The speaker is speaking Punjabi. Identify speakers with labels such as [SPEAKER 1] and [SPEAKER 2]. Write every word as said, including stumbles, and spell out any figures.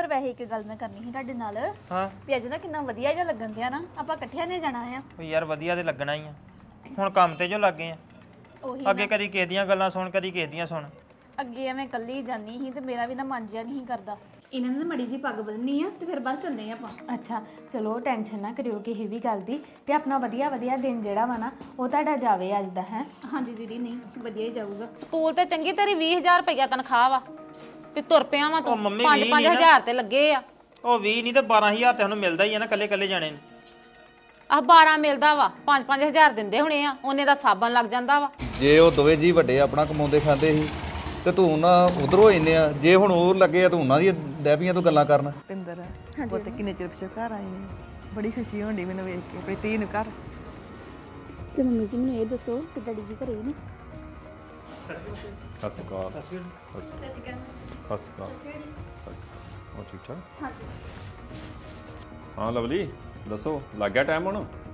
[SPEAKER 1] ਵੈਸੇ ਇੱਕ ਗੱਲ ਮੈਂ ਕਰਨੀ ਸੀ ਤੁਹਾਡੇ ਨਾਲ
[SPEAKER 2] ਹਾਂ
[SPEAKER 1] ਵੀ ਅੱਜ ਨਾ ਕਿੰਨਾ ਵਧੀਆ ਜਿਹਾ ਲੱਗਣ ਦਿਆ ਨਾ ਆਪਾਂ ਇਕੱਠਿਆਂ ਨੇ ਜਾਣਾ ਆ
[SPEAKER 2] ਉਹ ਯਾਰ ਵਧੀਆ ਤੇ ਲੱਗਣਾ ਹੀ ਆ ਹੁਣ ਕੰਮ ਤੇ ਜੋ ਲੱਗੇ ਆ
[SPEAKER 1] ਉਹੀ
[SPEAKER 2] ਅੱਗੇ ਕਦੀ ਕਿਸੇ ਦੀਆਂ ਗੱਲਾਂ ਸੁਣ ਕਦੀ ਕਿਸੇ ਦੀਆਂ ਸੁਣ
[SPEAKER 1] ਅੱਗੇ ਐਵੇਂ ਇਕੱਲੀ ਜਾਨੀ ਸੀ ਤੇ ਮੇਰਾ ਵੀ ਨਾ ਮਨ ਜਿਹਾ ਨਹੀਂ ਕਰਦਾ ਇਹਨਾਂ ਨੇ ਮੜੀ ਜੀ ਪੱਗ ਬੰਨਣੀ ਆ ਤੇ ਫਿਰ ਬਸ ਚੱਲਦੇ ਆਪਾਂ
[SPEAKER 3] ਅੱਛਾ ਚਲੋ ਟੈਨਸ਼ਨ ਨਾ ਕਰਿਓ ਕਿਸੇ ਵੀ ਗੱਲ ਦੀ ਤੇ ਆਪਣਾ ਵਧੀਆ ਵਧੀਆ ਦਿਨ ਜਿਹੜਾ ਵਾ ਨਾ ਉਹ ਤੁਹਾਡਾ ਜਾਵੇ ਅੱਜ ਦਾ ਹੈ
[SPEAKER 1] ਹਾਂਜੀ ਦੀਦੀ ਨਹੀਂ ਵਧੀਆ ਹੀ ਜਾਊਗਾ
[SPEAKER 4] ਸਕੂਲ ਤੇ ਚੰਗੀ ਤੇਰੀ ਵੀਹ ਹਜ਼ਾਰ ਰੁਪਇਆ ਤਨਖਾਹ ਵਾ ਤੇ ਤੁਰ ਪਿਆ ਵਾ
[SPEAKER 2] ਉਹ
[SPEAKER 4] ਤੂੰ
[SPEAKER 2] ਮੰਮੀ
[SPEAKER 4] ਪੰਜ
[SPEAKER 2] ਵੀਹ
[SPEAKER 4] ਪੰਜ
[SPEAKER 2] ਨੀ ਨਾ।
[SPEAKER 4] ਹਜ਼ਾਰ ਤੇ ਲੱਗੇ ਆ
[SPEAKER 2] ਉਹ ਵੀਹ ਨਹੀਂ ਤੇ ਬਾਰਾਂ ਹਜ਼ਾਰ ਤੇ ਸਾਨੂੰ ਮਿਲਦਾ ਹੀ ਆ ਨਾ ਕੱਲੇ ਕੱਲੇ ਜਾਣੇ ਨੂੰ
[SPEAKER 4] ਆਹ ਬਾਰਾਂ ਮਿਲਦਾ ਵਾ ਪੰਜ ਪੰਜ ਹਜ਼ਾਰ ਦਿੰਦੇ ਹੋਣੇ ਆ ਉਹਨੇ ਦਾ ਸਾਬਣ ਲੱਗ ਜਾਂਦਾ ਵਾ
[SPEAKER 5] ਜੇ ਉਹ ਦੋਵੇਂ ਜੀ ਵੱਡੇ ਆਪਣਾ ਕਮਾਉਂਦੇ ਖਾਂਦੇ ਸੀ ਤੇ ਤੂੰ ਨਾ ਉਧਰੋਂ ਇੰਨੇ ਆ ਜੇ ਹੁਣ ਉਹ ਲੱਗੇ ਆ ਤੂੰ ਉਹਨਾਂ ਦੀ ਡੈਬੀਆਂ ਤੋਂ ਗੱਲਾਂ ਕਰਨ
[SPEAKER 6] ਪਿੰਦਰ ਉਹ ਤੇ ਕਿੰਨੇ ਚਿਰ ਪਿਛੋਂ ਘਰ ਆਈ ਨੇ ਬੜੀ ਖੁਸ਼ੀ ਹੋਣੀ ਮੈਨੂੰ ਵੇਖ ਕੇ ਆਪਣੀ ਧੀ ਨੂੰ ਘਰ
[SPEAKER 1] ਤੇ ਮੰਮੀ ਜੀ ਮੈਨੂੰ ਇਹ ਦੱਸੋ ਕਿ ਡੈਡੀ ਜੀ ਘਰੇ ਨੇ
[SPEAKER 7] ਸਤਿ ਸ਼੍ਰੀ ਅਕਾਲ ਸਤਿ ਸ਼੍ਰੀ ਅਕਾਲ ਹੋਰ ਠੀਕ ਠਾਕ ਹਾਂ ਲਵਲੀ ਦੱਸੋ ਲੱਗ ਗਿਆ ਟਾਈਮ ਹੁਣ